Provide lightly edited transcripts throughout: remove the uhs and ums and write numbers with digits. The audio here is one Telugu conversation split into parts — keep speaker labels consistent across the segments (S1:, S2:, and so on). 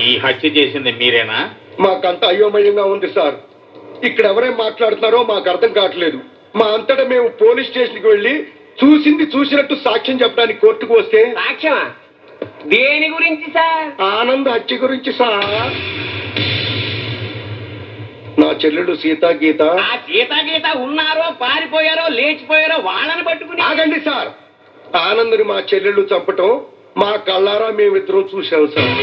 S1: ఈ హత్య చేసింది మీరేనా?
S2: మాకంత అయోమయంగా ఉంది సార్. ఇక్కడ ఎవరేం మాట్లాడుతున్నారో మాకు అర్థం కావట్లేదు. మా అంతటా మేము పోలీస్ స్టేషన్కి వెళ్ళి చూసింది చూసినట్టు సాక్ష్యం చెప్పడానికి కోర్టుకు వస్తే
S3: సాక్ష్యమా? దేని గురించి సార్?
S2: ఆనంద్ హత్య గురించి సార్. నా చెల్లెలు సీతా గీత.
S3: ఆ సీతా గీత ఉన్నారో పారిపోయారో లేచిపోయారో వాళ్ళని పట్టుకుని.
S2: ఆగండి సార్. ఆనంద్ని మా చెల్లెళ్ళు చంపటం మా కళ్ళారా మేమిద్దరం చూసాం సార్.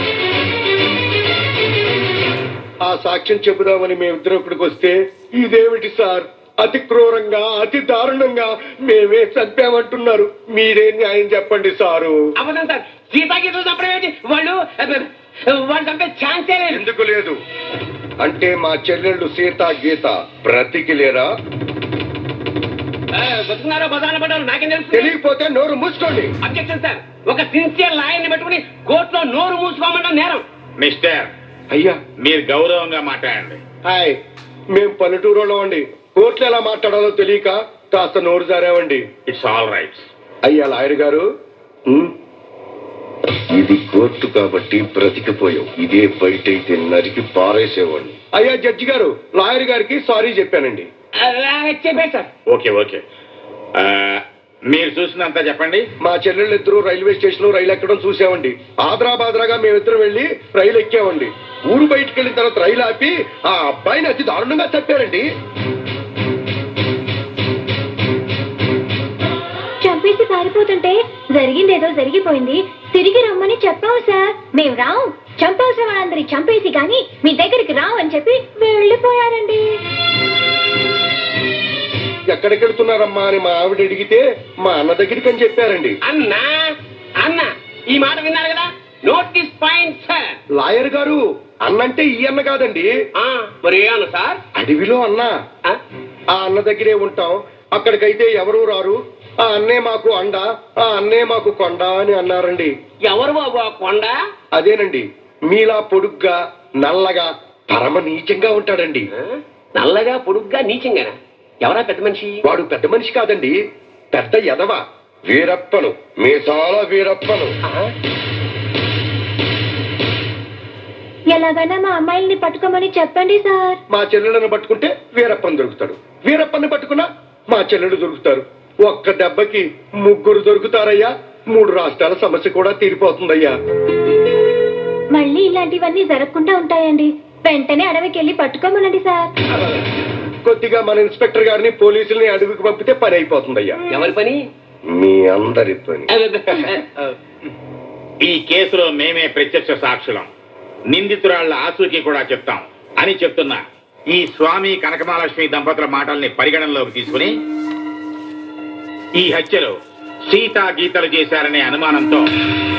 S2: ఆ సాక్ష్యం చెబుదామని మేమిద్దరం ఇక్కడికి వస్తే ఇదేమిటి సార్, అతి క్రూరంగా అతి దారుణంగా మేమే చంపామంటున్నారు. మీరే న్యాయం చెప్పండి సారు.
S3: అబద్ధం సార్. సీతా గీతలు చంపడం ఏంటి? వాళ్ళు చంపే ఛాన్సే లేదు.
S2: ఎందుకు లేదు అంటే మా చెల్లెళ్ళు సీతా గీత బ్రతికి లేరా?
S3: బతుకున్నారో బదాన పడ్డారో నాకేం తెలుసు.
S2: తెలియకపోతే నోరు మూసుకోండి.
S3: Objection sir. ఒక సిన్సియర్ లాయర్ని పెట్టుకుని కోర్టులో నోరు మూసుకోమన్న నేరం.
S1: మిస్టర్,
S2: అయ్యా
S1: మీరు గౌరవంగా మాట్లాడండి.
S2: హాయ్, మేం పల్లెటూరులో అండి. కోర్టులో ఎలా మాట్లాడాలో తెలియక కాస్త నోరు జారామండి.
S1: It's all right.
S2: అయ్యా లాయర్ గారు, ఇది కోర్టు కాబట్టి బ్రతికిపోయావు. ఇదే బయట అయితే నరికి పారేసేవాడిని. అయ్యా జడ్జి గారు, లాయర్ గారికి సారీ చెప్పానండి.
S3: చెప్పే సార్.
S1: ఓకే ఓకే, మీరు చూసినంత చెప్పండి.
S2: మా చెల్లెళ్ళు ఇద్దరు రైల్వే స్టేషన్ లో రైలు ఎక్కడం చూసామండి. ఆదరాబాదరాగా మేమిద్దరం వెళ్లి రైలు ఎక్కామండి. ఊరు బయటికి వెళ్ళిన తర్వాత రైలు ఆపి ఆ అబ్బాయిని అతి దారుణంగా చంపారండి.
S4: చంపేసి పారిపోతుంటే జరిగిందేదో జరిగిపోయింది, తిరిగి రమ్మని చెప్పావు సార్. మేము రావు, చంపాల్సిన వాళ్ళందరి చంపేసి గాని మీ దగ్గరికి రావు అని చెప్పి వెళ్ళిపోయారండి.
S2: ఎక్కడికి వెళ్తున్నారమ్మా అని మా ఆవిడ అడిగితే మా అన్న దగ్గరికి అని చెప్పారండి.
S3: అన్నా అన్న ఈ మాట విన్నారు కదా, నోటీస్ పాయింట్ సార్.
S2: లాయర్ గారు, అన్నంటే ఈ అన్న కాదండి.
S3: మరి ఏ అన్న సార్?
S2: అడవిలో అన్న. ఆ అన్న దగ్గరే ఉంటాం, అక్కడికైతే ఎవరు రారు. ఆ అన్నే మాకు అండ, ఆ అన్నే మాకు కొండ అని అన్నారండి.
S3: ఎవరు బాబు ఆ కొండ?
S2: అదేనండి, మీలా పొడుగ్గా నల్లగా పరమ నీచంగా ఉంటాడండి.
S3: నల్లగా పొడుగ్గా నీచంగానా? ఎవరా పెద్ద మనిషి?
S2: వాడు పెద్ద మనిషి కాదండి, పెద్ద ఎదవ. వీరప్పను, మీసాల వీరప్పను.
S4: ఎలాగైనా మా అమ్మాయిల్ని పట్టుకోమని చెప్పండి సార్.
S2: మా చెల్లెలను పట్టుకుంటే వీరప్పని దొరుకుతాడు, వీరప్పని పట్టుకున్నా మా చెల్లెలు దొరుకుతారు. ఒక్క దెబ్బకి ముగ్గురు దొరుకుతారయ్యా. 3 రాష్ట్రాల సమస్య కూడా తీరిపోతుందయ్యా.
S4: మళ్ళీ ఇలాంటివన్నీ జరగకుండా ఉంటాయండి. వెంటనే అడవికి వెళ్ళి పట్టుకోమనండి సార్.
S2: కొద్దిగా మన ఇన్స్పెక్టర్ గారిని పోలీసుల్ని అడవికి పంపితే పని అయిపోతుందయ్యా.
S3: ఎవరి పని?
S2: మీ అందరి పని.
S1: ఈ కేసులో మేమే ప్రత్యక్ష సాక్షులం, నిందితురాళ్ల ఆచూకీ కూడా చెప్తాం అని చెప్తున్నా ఈ స్వామి కనకమహాలక్ష్మి దంపతుల మాటల్ని పరిగణనలోకి తీసుకుని ఈ హత్యలో సీతా గీతలు చేశారనే అనుమానంతో